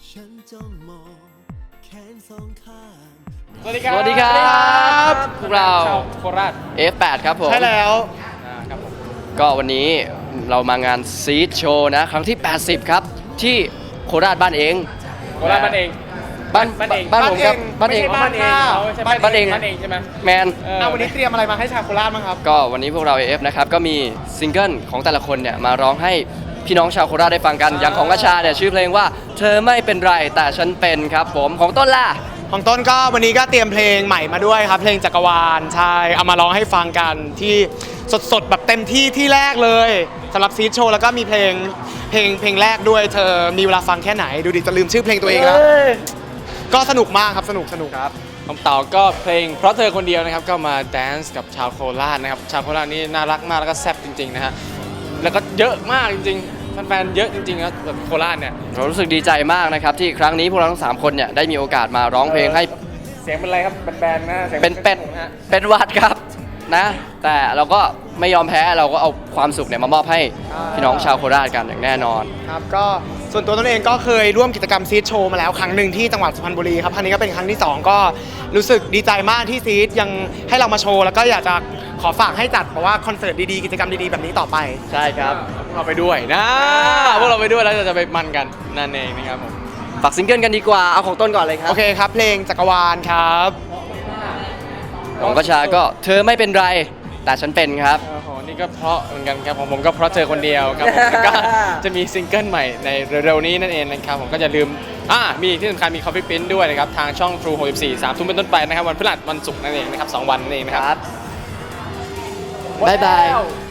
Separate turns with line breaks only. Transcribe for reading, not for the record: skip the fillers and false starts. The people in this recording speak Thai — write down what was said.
ฉันจ้องมองแขนสองข้าง
สวัสดีครับ
สวัสดีครับพวกเรา
ชาวโคราช
F8 ครับผม
ใช่แล้วครับผม
ก็วันนี้เรามางานซีดโชว์นะ ครั้งที่ 80 ครับ ที่โคราชบ้านเอง
โคราชบ้านเอง
บ้าน
บ้านเอง
บ้านผมครับบ้านเอง
ไม่ใช่บ้านเองเขาใช่
บ้านเอง
บ้านเองใช่ไหม
แมน
วันนี้เตรียมอะไรมาให้ชาวโคราชบ้างครับ
ก็วันนี้พวกเรา AF นะครับ ก็มีซิงเกิลของแต่ละคนเนี่ยมาร้องให้พี่น้องชาวโคราชได้ฟังกัน อย่างของกระชาเนี่ยชื่อเพลงว่าเธอไม่เป็นไรแต่ฉันเป็นครับผมของต้นล่ะ
ของต้นก็วันนี้ก็เตรียมเพลงใหม่มาด้วยครับเพลงจักรวาลใช่เอามาร้องให้ฟังกันที่สดๆแบบเต็มที่ที่แรกเลยสำหรับซีดโชว์แล้วก็มีเพลงแรกด้วยเธอมีเวลาฟังแค่ไหนดูดิจะลืมชื่อเพลงตัวเองแล้วก็สนุกมากครับสนุกครับ
ผมเต่าก็เพลงเพราะเธอคนเดียวนะครับก็มาแดนซ์กับชาวโคราชนะครับชาวโคราชนี่น่ารักมากแล้วก็แซ่บจริงๆนะฮะแล้วก็เยอะมากจริงๆแฟนๆเยอะจริงๆนะแบบโคราชเนี่ย
เรารู้สึกดีใจมากนะครับที่ครั้งนี้พวกเราทั้ง3คนเนี่ยได้มีโอกาสมาร้องเพลงให้
เสียงเป็นอะไรครับแบนๆนะสียง
เป็นเป็ด
ฮะ
เป็นหวัดครับนะ แต่เราก็ไม่ยอมแพ้เราก็เอาความสุขเนี่ยมามอบให้พี่น้องชาวโคราชกันอย่างแน่นอน
ครับก็ส่วนตัวตนเองก็เคยร่วมกิจกรรมซีดโชว์มาแล้วครั้งหนึ่งที่จังหวัดสุพรรณบุรีครับครั้งนี้ก็เป็นครั้งที่ 2 ก็รู้สึกดีใจมากที่ซีดยังให้เรามาโชว์แล้วก็อยากจะขอฝากให้จัดเพราะว่าคอนเสิร์ตดีๆกิจกรรมดีๆแบบนี้ต่อไป
ใช่ครับ
พวกเราไปด้วยนะพวกเราไปด้วยแล้วจะไปมันกันนั่นเองนะครับผม
ฝากซิงเกิลกันดีกว่าเอาของต้นก่อนเลยครับ
โอเคครับเพลงจักรวาลครับ
ของกระชาก็เธอไม่เป็นไรแต่ฉันเป็นครับ
โอ้โหนี่ก็เพราะเหมือนกันครับของผมก็เพราะเธอคนเดียวครับผมแล้วก็จะมีซิงเกิลใหม่ในเร็วๆนี้นั่นเองนะครับผมก็จะลืมมีที่สำคัญมี Coffee Print ด้วยนะครับทางช่อง True 64 3 ทุ่มเป็นต้นไปนะครับวันพฤหัสวันศุกร์นั่นเองนะครับ2 วันนั่นเองนะครับ
บ๊ายบาย
หมดแล้ว